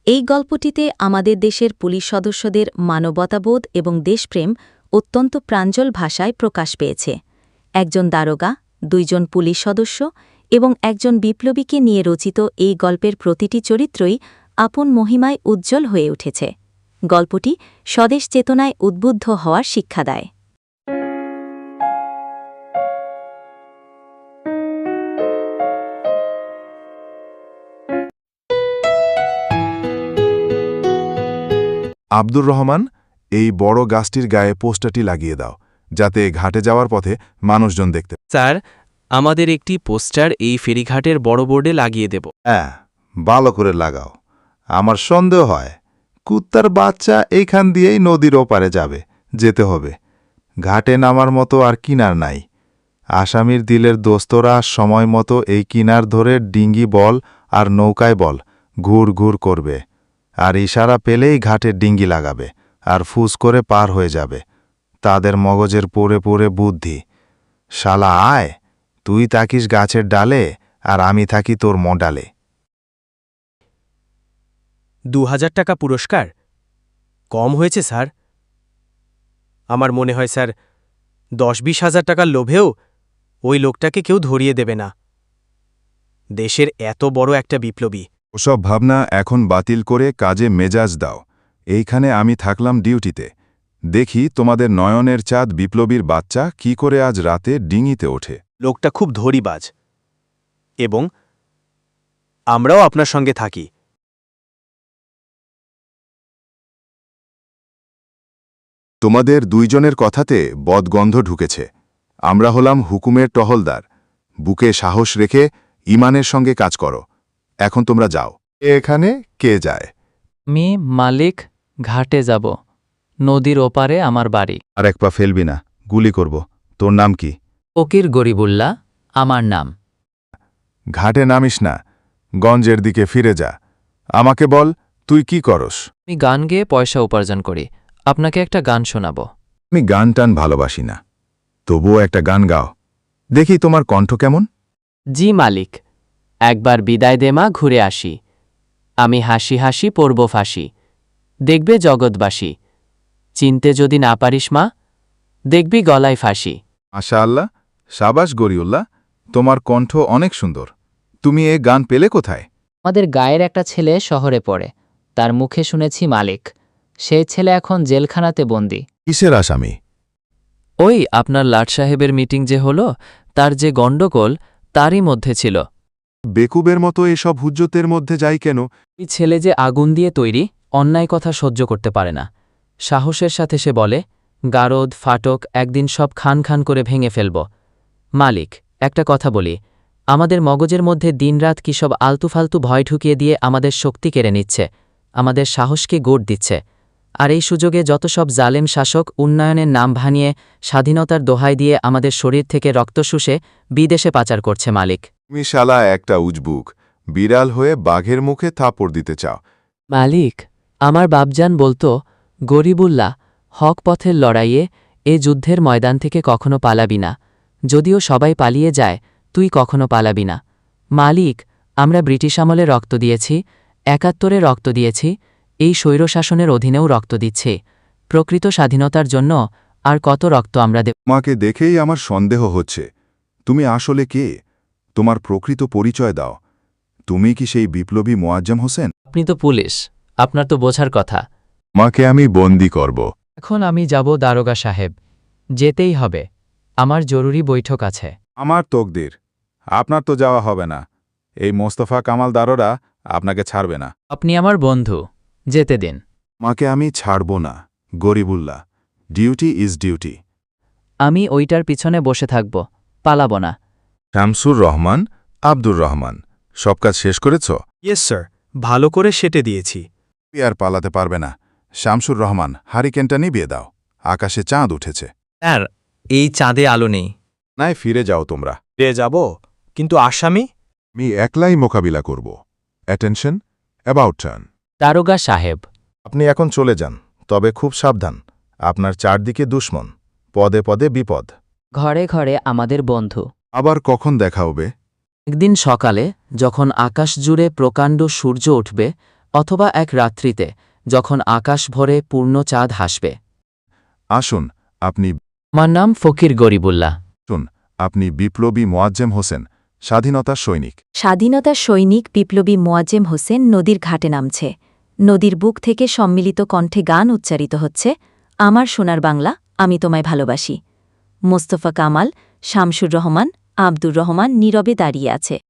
এই গল্পটিতে আমাদের দেশের পুলিশ সদস্যদের মানবতাবোধ এবং দেশপ্রেম অত্যন্ত প্রাঞ্জল ভাষায় প্রকাশ পেয়েছে। একজন দারোগা, 2 জন পুলিশ সদস্য এবং একজন বিপ্লবীকে নিয়ে রচিত এই গল্পের প্রতিটি চরিত্রই আপন মহিমায় উজ্জ্বল হয়ে উঠেছে। গল্পটি স্বদেশ চেতনায় উদ্বুদ্ধ হওয়ার শিক্ষা দেয়। আব্দুর রহমান, এই বড় গাছটির গায়ে পোস্টারটি লাগিয়ে দাও, যাতে ঘাটে যাওয়ার পথে মানুষজন দেখতে। স্যার, আমাদের একটি পোস্টার এই ফেরিঘাটের বড় বোর্ডে লাগিয়ে দেব। হ্যাঁ, ভালো করে লাগাও। আমার সন্দেহ হয় কুত্তার বাচ্চা এইখান দিয়েই নদীর ওপারে যেতে হবে। ঘাটে নামার মতো আর কিনার নাই। আসামির দিলের দোস্তরা সময় মতো এই কিনার ধরে ডিঙ্গি বল আর নৌকায় বল ঘুর ঘুর করবে, আর ইশারা পেলেই ঘাটে ডিঙ্গি লাগাবে আর ফুস করে পার হয়ে যাবে। তাদের মগজের পুরে পুরে বুদ্ধি। শালা আয়, তুই থাকিস গাছের ডালে আর আমি থাকি তোর মডালে। 2000 টাকা পুরস্কার কম হয়েছে স্যার। আমার মনে হয় স্যার 10-20 হাজার টাকার লোভেও ওই লোকটাকে কেউ ধরিয়ে দেবে না। দেশের এত বড় একটা বিপ্লবী। ওসব ভাবনা এখন বাতিল করে কাজে মেজাজ দাও। এইখানে আমি থাকলাম ডিউটিতে। দেখি তোমাদের নয়নের চাঁদ বিপ্লবীর বাচ্চা কি করে আজ রাতে ডিঙিতে ওঠে। লোকটা খুব ধরিবাজ, এবং আমরাও আপনার সঙ্গে থাকি। তোমাদের 2 জনের কথাতে বদগন্ধ ঢুকেছে। আমরা হলাম হুকুমের টহলদার। বুকে সাহস রেখে ইমানের সঙ্গে কাজ করো। এখন তোমরা যাও। এখানে কে যায়? আমি মালিক, ঘাটে যাব। নদীর ওপারে আমার বাড়ি। আর এক পা ফেলবি না, গুলি করব। তোর নাম কি? ফকির গরিবুল্লাহ আমার নাম। ঘাটে নামিস না, গঞ্জের দিকে ফিরে যা। আমাকে বল, তুই কি করস? আমি গান গেয়ে পয়সা উপার্জন করি। আপনাকে একটা গান শোনাব। আমি গান টান ভালোবাসি না, তবুও একটা গান গাও দেখি। তোমার কণ্ঠ কেমন? জি মালিক, একবার বিদায় দে মা, ঘুরে আসি। আমি হাসি হাসি পড়ব ফাঁসি, দেখবে জগৎবাসী। চিনতে যদি না পারিস মা, দেখবি গলায় ফাঁসি। মাশা আল্লাহ, সাবাস গরিউল্লাহ, তোমার কণ্ঠ অনেক সুন্দর। তুমি এ গান পেলে কোথায়? আমাদের গায়ের একটা ছেলে শহরে পড়ে, তার মুখে শুনেছি মালিক। সেই ছেলে এখন জেলখানাতে বন্দী। কিসের আসামি? ওই আপনার লাট সাহেবের মিটিং যে হলো, তার যে গণ্ডগোল তারই মধ্যে ছিল। বেকুবের মতো এসব হুজ্জতের মধ্যে যাই কেন? ওই ছেলে যে আগুন দিয়ে তৈরি, অন্যায় কথা সহ্য করতে পারে না। সাহসের সাথে সে বলে, গারদ ফাটক একদিন সব খান খান করে ভেঙে ফেলব। মালিক, একটা কথা বলি, আমাদের মগজের মধ্যে দিনরাত কি সব আলতুফালতু ভয় ঢুকিয়ে দিয়ে আমাদের শক্তি কেড়ে নিচ্ছে, আমাদের সাহসকে গোট দিচ্ছে। আর এই সুযোগে যত সব জালেম শাসক উন্নয়নের নাম ভানিয়ে স্বাধীনতার দোহাই দিয়ে আমাদের শরীর থেকে রক্ত শুষে বিদেশে পাচার করছে। মালিক, তুমি শালা একটা উজবুক, বিড়াল হয়ে বাঘের মুখে থাপড় দিতে চাও। মালিক, আমার বাপজান বলতো, গরিবুল্লাহ, হক পথের লড়াইয়ে এ যুদ্ধের ময়দান থেকে কখনো পালাবি না। যদিও সবাই পালিয়ে যায়, তুই কখনো পালাবি না। মালিক, আমরা ব্রিটিশ আমলে রক্ত দিয়েছি, ৭১-এ রক্ত দিয়েছি, এই স্বৈরশাসনের অধীনেও রক্ত দিচ্ছি। প্রকৃত স্বাধীনতার জন্য আর কত রক্ত আমরা দেব? তোমাকে দেখেই আমার সন্দেহ হচ্ছে। তুমি আসলে কে? তোমার প্রকৃত পরিচয় দাও। তুমি কি সেই বিপ্লবী মোয়াজ্জেম হোসেন? আপনি তো পুলিশ, আপনার তো বোঝার কথা। মাকে আমি বন্দি করব। এখন আমি যাব দারোগা সাহেব, যেতেই হবে। আমার জরুরি বৈঠক আছে। আমার তকদির, আপনার তো যাওয়া হবে না। এই মোস্তফা কামাল দারোরা আপনাকে ছাড়বে না। আপনি আমার বন্ধু, যেতে দিন। মাকে আমি ছাড়ব না গরিবুল্লাহ। Duty is duty. আমি ওইটার পিছনে বসে থাকব, পালাব না। শামসুর রহমান, আব্দুর রহমান, সব কাজ শেষ করেছ? ইয়েস স্যার, ভালো করে সেটে দিয়েছি। তুই আর পালাতে পারবে না। শামসুর রহমান, হারিকেনটা নিভিয়ে দাও। আকাশে চাঁদ উঠেছে। স্যার, এই চাঁদে আলো নেই। নাই, ফিরে যাও তোমরা। যাব, কিন্তু আসামি? আমি একলাই মোকাবিলা করব। Attention, about turn. দারোগা সাহেব, আপনি এখন চলে যান, তবে খুব সাবধান। আপনার চারদিকে দুশ্মন, পদে পদে বিপদ। ঘরে ঘরে আমাদের বন্ধু। আবার কখন দেখা হবে? একদিন সকালে, যখন আকাশ জুড়ে প্রকাণ্ড সূর্য উঠবে, অথবা এক রাত্রিতে যখন আকাশ ভরে পূর্ণ চাঁদ হাসবে। আসুন আপনি আমার নাম ফকির গরিবুল্লাহ। আপনি বিপ্লবী মোয়াজ্জেম হোসেন, স্বাধীনতার সৈনিক। স্বাধীনতার সৈনিক বিপ্লবী মোয়াজ্জেম হোসেন নদীর ঘাটে নামছে। নদীর বুক থেকে সম্মিলিত কণ্ঠে গান উচ্চারিত হচ্ছে, আমার সোনার বাংলা, আমি তোমায় ভালোবাসি। মোস্তফা কামাল, শামসুর রহমান, আব্দুর রহমান নীরবে দাঁড়িয়ে আছে।